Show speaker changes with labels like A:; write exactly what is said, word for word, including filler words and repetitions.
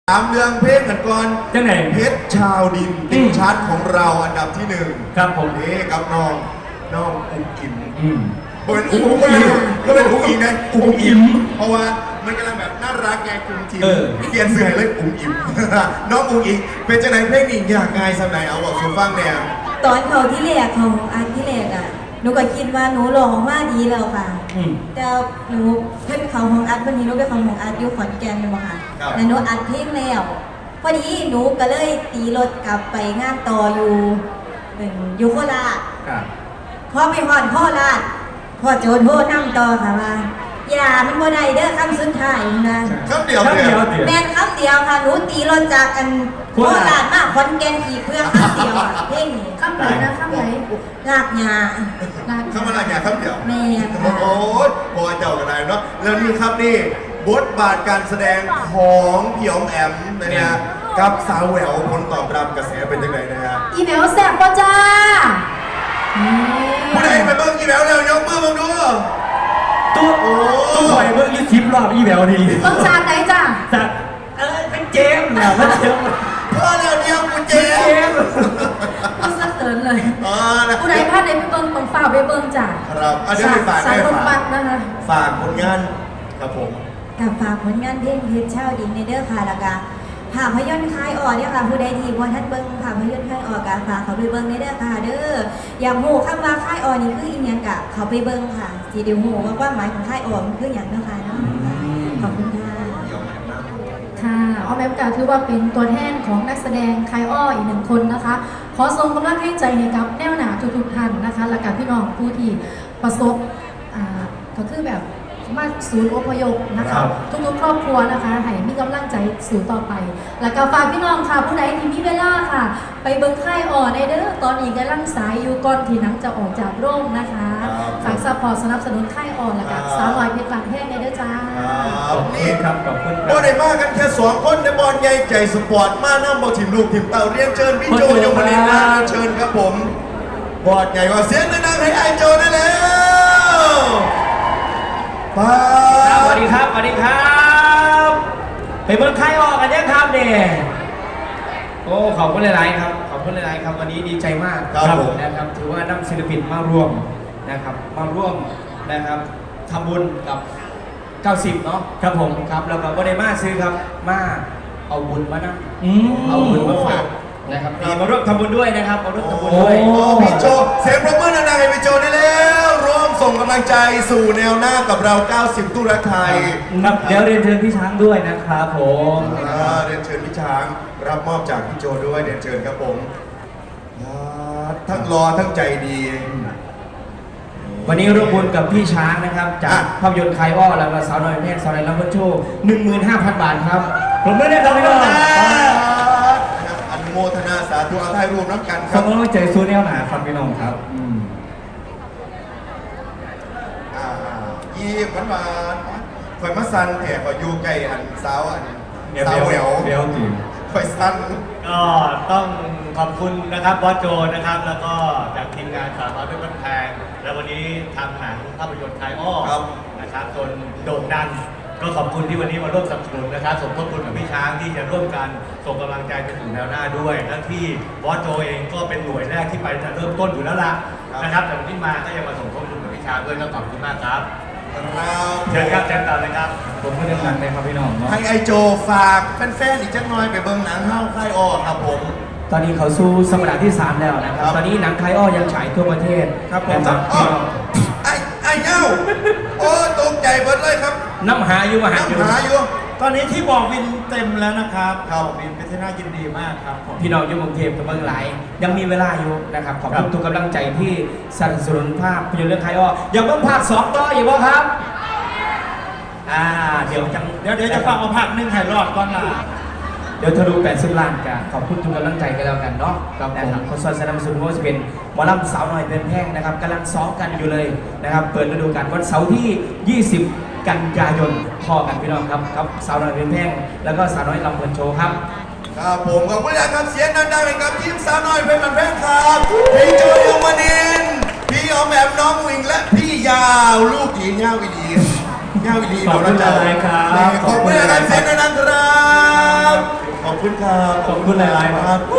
A: ถามเรื่องเพลงกันก่อน
B: จังไหน
A: เพชรชาวดินติดชาร์ตของเราอันดับที่หนึ่ง
B: ครับผม
A: นี่กับน้องน้องอุ้งอิม
B: อืม
A: เป็นอุ้งอิมก็เป็นอุ้งอิมไงอุ้งอิมเพราะว่ามันกำลังแบบน่ารักไงอุ้งอิมเปลี่ยนเสื้อเลยอุ้งอิมน้องอุ้งอิมเป็นจังไหนเพลงนี้อยากไงสำไหนเอาบอกสูฟังเนี่ย
C: ตอนเขาที่แรกของอันที่แรกอ่ะหนูก็คิดว่าหนูร้องมาดีแล้วค่ะแต่หนูเพิ่นเขาของอัดวันนี้หนูไปของของอัดอยู่ขอนแก่นเลยบ่ค่ะแล้วหนูอัดเพลงแล้วพอดีหนูก็เลยตีรถกลับไปงานต่ออยู่อยู่โคราชพอไปฮอดโคราชพอโจนโทรนั่งต่อค่ะว่าอย่ามันบ่ได้เด้อคำสุดท้ายนะ
A: คำเดียวเ
C: ดียวแม่นคำเดียวค่ะหนูตีรถจากกันโคราชมาขอนแก่นอีกเพื่อคำเดียวอ่ะเพลงนี้
D: คำไหนนะคำไหน
C: ลากยา
A: คำอะไรเนี่ยคำเดียว
C: แม่
A: โอ้ยพอเจ้ากันได้เนาะแล้วนี่ครับนี่บทบาทการแสดงของพี่อ๋อมแอมนะฮะกับสาวแหววผลตอบรับกระแสเป็นยังไงนะฮะ
D: อีแหววแซ่บป่ะจ้า
A: ผู้ใดไปเบิ้งอีแหววแล้วยกมือมึงดู
B: ตัวตัวหอยเบิ้งยี่สิบรอบอีแหววดี
D: ต้องจากไหนจ้า
B: จากเออเป็นเจมส์นะเป็นเจมส์
A: พ่อเดียวเดียวกูเจมส์
D: ต้องสะเทือนเลยผู้ใดพลาดในไปเบิ้งต้องฝ่าไปเบิ้งจ้า
A: ครับอันนี้ฝากได้ฝาก
D: นะคะ
A: ฝากผลงานครับผม
C: กับฝากผลงานเพลงเพชรเช่าดินในเด้อค่ะแล้วก็ภาพยนตร์คลายออกเนี่ยค่ะผู้ใดที่บ่ทันเบิ่งภาพยนตร์คลายออกกะฝากเขาไปเบิ่งในเด้อค่ะเด้ออยากรู้คำว่าคลายออกนี่คืออีหยังกะเขาไปเบิ่งค่ะสิได้รู้ว่าความหมายของคลายออกมันคือหยังเนาะค่ะเนาะขอบคุณค่ะ
D: ค่ะอ้อมแอมกาถือว่าเป็นตัวแทนของนักแสดงคลายอ้ออีกหนึ่งคนนะคะขอส่งกำลังให้ใจให้กับแนวหนาทุกๆท่านนะคะและกับพี่น้องผู้ที่ประสบอ่าก็คือแบบมาศูนย์อพยพนะคะทุกๆครอบครัวนะคะให้มีกำลังใจสู่ต่อไปแล้วก็ฝากพี่น้องค่ะผู้ใดที่มีเวลาค่ะไปเบิ้งค่ายอ่อนในเด้อตอนนี้กำลังสายอยู่ก่อนที่หนังจะออกจากโรงนะคะฝากซัพพอร์ตสนับสนุนค่ายอ่อนแล้วก็สาวน้อยเพชรบางแห้งในเด้อจ้า
A: ขอบคุณครับขอบคุณครับบ่ได้มากันแค่สองคนในบอลใหญ่ใจสปอร์ตมาหน้าบอลทีมลูกทีมเต่าเรียนเชิญพี่โจยมนินทร์เชิญครับผมบอลใหญ่กว่าเสียงดังๆให้ไอโจได้แล้ว
B: สวัสดีครับสวัสดีครับไปเมืองไทยออกกันยังครับเด็กโอ้ขอบคุณหลายๆครับขอบคุณหลายๆครับวันนี้ดีใจมาก
A: ครับ
B: นะครับถือว่านำศิลปินมาร่วมนะครับมาร่วมนะครับทำบุญกับเก้าสิบเนาะครับผมครับแล้วก็บ่ได้มาซื้อครับมาเอาบุญมานะเอาบุญมาฝากนะครับมาร่วมทำบุญด้วยนะครับมาร่วมทำบุญด้วย
A: พี่โจเสียงปรบมือดังๆให้พี่โจได้แล้วร่วมส่งกำลังใจสู่แนวหน้ากับเราเก้าสิบตู้รักไทย
B: ครับเดี๋ยวเรียนเชิญพี่ช้างด้วยนะครับผม
A: เรียนเชิญพี่ช้างรับมอบจากพี่โจด้วยเรียนเชิญครับผมทั้งรอทั้งใจดี
B: วันนี้ร่วมบุญกับพี่ช้างนะครับจากภาพยนตร์คายอ้อแล้วก็สาวน้อยเพชรสาวน้อยลำพูนโชว์หนึ่งหมื่นห้าพันบาทครับผมไม่ได้ทำไม่ได้
A: อนุโมทนาสาธุอาทัยรวมน้ำกันค
B: รับขอบคุณใจซูเนียลหนาครับพี่น้องครับ
A: ยี่หวานหวานคอยมาซันแผ่คอยยูไก่อันสาวอันสาวแหวว
B: เบลจี
A: คอยซัน
E: ก็ต้องขอบคุณนะครับบอสโจนะครับแล้วก็จากทีมงานสาวน้อยเพชรบ้านแพงและวันนี้ทำหนังภาพยนตร์ไทยอ้อนะครับจนโด่งดังก็ขอบคุณที่วันนี้มาร่วมสนับสนุนนะครับสมทบทุนกับพี่ช้างที่จะร่วมกันส่งกำลังใจไปสู่แนวหน้าด้วยและที่บอสโจเองก็เป็นหน่วยแรกที่ไปจะเริ่มต้นอยู่แล้วล่ะนะครับแต่วันนี้มาก็ยังมาสมทบทุนกับพี่ช้างด้วยก็ขอบคุณมากครับเชิญครับเชิญต่อเลยครับ
B: ผมก็ยังหนังเลยครับพี่น้องเนาะ
A: ให้ไอโจฝากแฟนๆอีกจักหน่อยไปเบิ่งหนังเฮ้าค่ายอ้อครับผม
B: ตอนนี้เขาสู้สมรรถที่สามแล้วนะครับตอนนี้หนังคายอ้อยังฉายทั่วประเทศ
A: ครับผมไอ้ไอ้เงาโอ้ตกใจหมดเลยครับ
B: น้ำหาอยู่มาหา
A: อยู่น้ำหาอยู่
E: ตอนนี้ที่บอกวินเต็มแล้วนะครับเขาวินเป็นที่น่ายินดีมากครับ
B: พี่น้องอยู่กรุงเทพกับเมืองหลายยังมีเวลาอยู่นะครับขอบคุณทุกกำลังใจที่สนับสนุนภาพยนตร์เรื่องคายอ้ออย่าเพิ่งภาคสองต่ออีกวะครับอ่าเดี๋ยวจัง
E: เดี๋ยวเดี๋ยวจะฟังเอาภาคหนึ่งให้รอดก่อนล่ะ
B: เดี๋ยวทะลุแปดสิบล้านกันขอบคุณทุกกำลังใจกันแล้วกันเนาะนะครับคนสอนสนับสนุนว่าจะเป็นหมอลำสาวน้อยเป็นแพงนะครับกำลังซ้อมกันอยู่เลยนะครับเปิดฤดูกาลวันเสาร์ที่ยี่สิบกันยายนพอกันพี่น้องครับครับสาวน้อยเป็นแพงแล้วก็สาวน้อยลำเพลินโชว์ครับ
A: ครับผมขอบคุณนะครับเสียงดังๆให้กับทีมสาวน้อยเป็นแพงครับพี่โจยมนินทร์พี่ออมแอมน้องวิงและพี่ยาวลูกหญิงยาววิดียาววิดี
B: ขอบคุณอะไรครับ
A: ขอบคุณนะครับเสียงดังๆครับขอบคุณครับ
B: ขอบคุณหลายๆ
A: ครับ